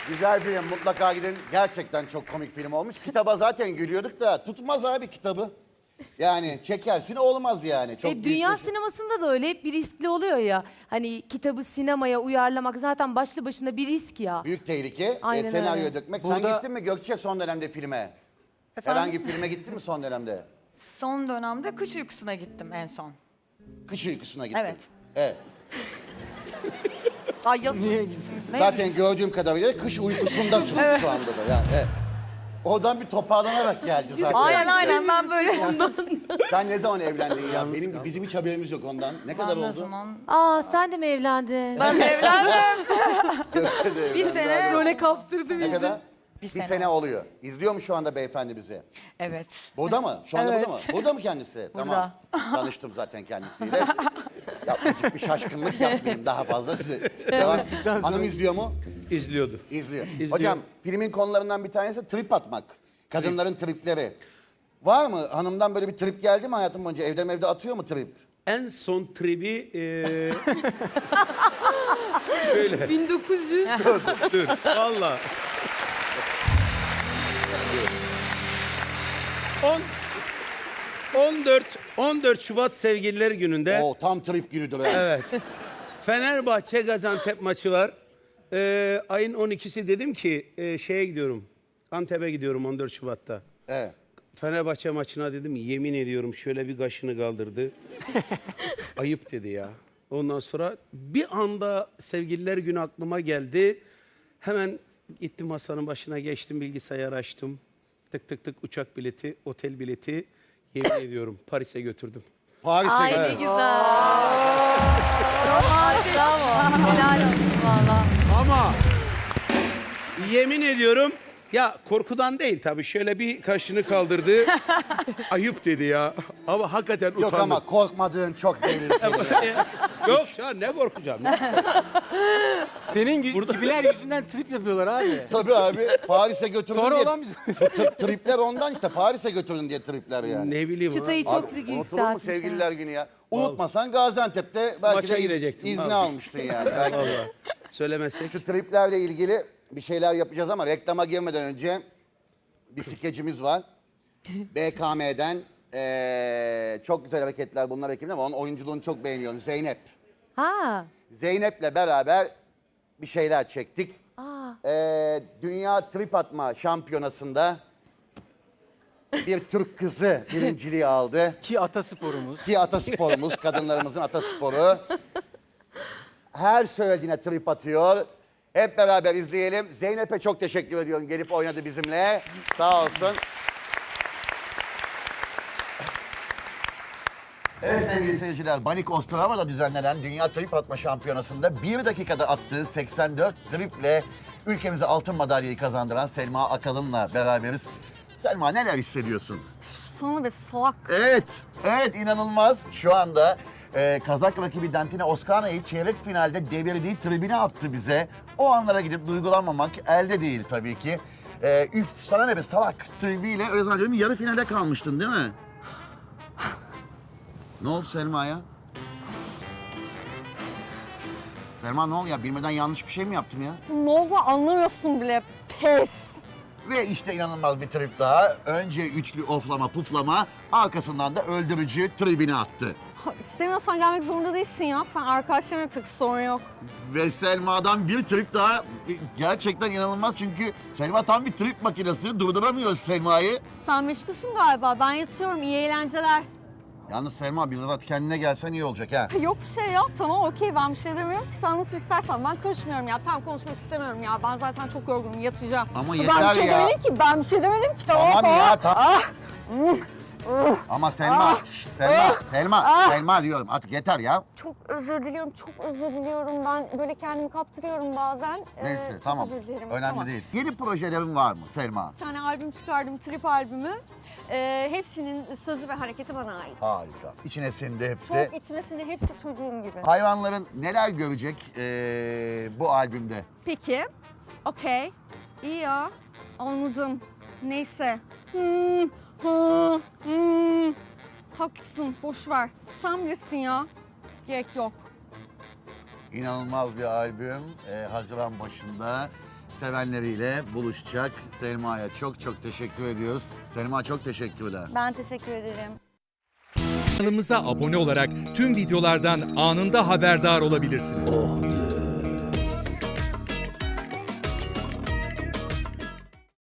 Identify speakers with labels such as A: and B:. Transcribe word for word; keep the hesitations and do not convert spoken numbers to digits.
A: Güzel film, mutlaka gidin. Gerçekten çok komik film olmuş. Kitaba zaten gülüyorduk da tutmaz abi kitabı. Yani çekersin olmaz yani. Çok
B: E, dünya
A: büyük bir şey.
B: sinemasında da öyle hep bir riskli oluyor ya. Hani kitabı sinemaya uyarlamak zaten başlı başına bir risk ya.
A: Büyük tehlike.
B: Aynen
A: E, senaryo
B: öyle.
A: dökmek.
C: Burada-
A: Sen gittin mi Gökçe son dönemde filme?
D: Efendim?
A: Herhangi filme gittin mi son dönemde?
D: Son dönemde kış uykusuna gittim en son.
A: Kış uykusuna gittin.
D: Evet.
A: Evet.
D: Ay yaz...
C: Niye gittin?
D: Ne?
A: Zaten gördüğüm kadarıyla kış uykusundasın şu anda da. Yani, evet. Oradan bir toparlanarak geldi zaten.
D: Aynen aynen ben böyle
A: Sen ne zaman evlendin ya? Benim bizim hiç haberimiz yok ondan. Ne kadar
D: ben ne
A: oldu?
D: zaman...
B: Aa sen de mi evlendin?
D: Ben evlendim.
A: Gökçe de
D: Bir
A: evlendi.
D: sene.
B: Role kaptırdı
A: Ne
B: bizi.
A: kadar?
D: Bir
A: Bir
D: sene.
A: sene oluyor. İzliyor mu şu anda beyefendi bizi?
D: Evet.
A: Burada mı? Şu anda
D: Evet.
A: burada mı? Burada mı kendisi?
D: Burada.
A: Tamam. Tanıştım zaten kendisiyle. Yapmacık bir şaşkınlık yapmayayım daha fazla size. Devam. Hanım izliyor mu?
E: İzliyordu.
A: İzliyor.
E: İzliyor.
A: Hocam filmin konularından bir tanesi trip atmak. Kadınların tripleri. Var mı? Hanımdan böyle bir trip geldi mi hayatım boyunca? Evde evde atıyor mu trip?
E: En son tribi eee şöyle.
B: bin dokuz yüz.
E: Dur. Valla. on on dört on dört Şubat Sevgililer Günü'nde
A: Oo tam trip günüdür. ha.
E: evet. Fenerbahçe Gaziantep maçı var. Eee, ayın on ikisi dedim ki eee, şeye gidiyorum. Antep'e gidiyorum on dört Şubat'ta.
A: Evet.
E: Fenerbahçe maçına dedim yemin ediyorum şöyle bir kaşını kaldırdı. Ayıp dedi ya. Ondan sonra bir anda Sevgililer Günü aklıma geldi. Hemen gittim masanın başına geçtim, bilgisayar açtım. Tık tık tık uçak bileti, otel bileti yemin ediyorum Paris'e götürdüm.
A: Paris'e
B: Ay ne
A: gidiyor.
B: güzel. Ay bravo. Helal olsun valla.
E: Ama yemin ediyorum ya korkudan değil tabii şöyle bir kaşını kaldırdı. Ayıp dedi ya. Ama hakikaten utandım.
A: Yok ama korkmadığın çok belli senin ya.
E: Yok ya ne korkacağım.
C: Senin Burada... gibiler yüzünden trip yapıyorlar abi.
A: Tabii abi Paris'e götürdün
C: Sonra
A: diye.
C: olan biz.
A: T- Tripler ondan işte Paris'e götürdün diye tripler yani.
E: Ne bileyim
B: Çıtayı
E: ha.
B: çok
A: Abi,
B: yükseltmiş.
A: unutulur mu sevgililer günü ya? Unutmasan Gaziantep'te belki
E: Maça
A: de iz-
E: gidecektim,
A: izni
E: vallahi.
A: almıştın yani. Belki.
E: Vallahi. Söylemesek.
A: Şu triplerle ilgili bir şeyler yapacağız ama reklama girmeden önce bir skecimiz var. B K M'den eee, çok güzel hareketler bunlar ekibinde ama onun oyunculuğunu çok beğeniyorum. Zeynep.
B: Ha.
A: Zeynep'le beraber bir şeyler çektik.
B: Aa.
A: Eee, Dünya Trip Atma Şampiyonası'nda bir Türk kızı birinciliği aldı.
C: Ki atasporumuz.
A: Ki atasporumuz, kadınlarımızın atasporu. Her söylediğine trip atıyor. Hep beraber izleyelim. Zeynep'e çok teşekkür ediyorum. Gelip oynadı bizimle. Sağ olsun. Evet sevgili seyirciler, Banik Ostrava'da düzenlenen Dünya Trip Atma Şampiyonası'nda bir dakikada attığı seksen dört triple ülkemize altın madalyayı kazandıran Selma Akalın'la beraberiz. Selma neler hissediyorsun?
F: Sana be salak.
A: Evet, evet inanılmaz. Şu anda e, Kazak rakibi Dantina Oskana'yı çeyrek finalde devirdiği tribüne attı bize. O anlara gidip duygulanmamak elde değil tabii ki. E, üf sana ne be salak tribüyle öyle zannediyorum yarı finale kalmıştın değil mi? Ne oldu Selma'ya? Selma ne oldu ya? Bilmeden yanlış bir şey mi yaptım ya?
F: Ne oldu anlamıyorsun bile. Pes.
A: Ve işte inanılmaz bir trip daha. Önce üçlü oflama puflama, arkasından da öldürücü tribüne attı.
F: Ha, İstemiyorsan gelmek zorunda değilsin ya. Sen arkadaşlarına tık sorun yok.
A: Ve Selma'dan bir trip daha gerçekten inanılmaz çünkü Selma tam bir trip makinesi, durduramıyoruz Selma'yı.
F: Sen meşgulsün galiba. Ben yatıyorum. İyi eğlenceler.
A: Yalnız Selma biraz kendine gelsen iyi olacak ha.
F: Yok bir şey ya. Tamam okey ben bir şey demiyorum ki. Sen nasıl istersen. Ben karışmıyorum ya. Tamam konuşmak istemiyorum ya. Ben zaten çok yorgunum. Yatacağım.
A: Ama
F: ben
A: yeter
F: bir şey
A: ya.
F: demedim ki. Ben bir şey demedim ki.
A: Tamam ya tamam.
F: Ah!
A: Ama Selma, şş, Selma, Selma, Selma diyorum artık yeter ya.
F: Çok özür diliyorum. Çok özür diliyorum. Ben böyle kendimi kaptırıyorum bazen. Ee,
A: Neyse
F: çok
A: tamam,
F: özür dilerim.
A: önemli
F: Tamam.
A: değil. Yeni projelerin var mı Selma?
F: Bir tane albüm çıkardım, trip albümü. Ee, hepsinin sözü ve hareketi bana ait.
A: Harika. İçine sindi hepsi.
F: Çok içmesinde hepsi çocuğum gibi.
A: Hayvanların neler görecek ee, bu albümde?
F: Peki, okey. İyi ya, anladım. Neyse. Hmm, hmm, hmm. Haklısın, boş ver. Sen bilirsin ya. Gerek yok.
A: İnanılmaz bir albüm. Ee, Haziran başında sevenleriyle buluşacak. Selma'ya çok çok teşekkür ediyoruz. Selma çok teşekkürler.
F: Ben teşekkür ederim.
G: Kanalımıza abone olarak tüm videolardan anında haberdar olabilirsiniz.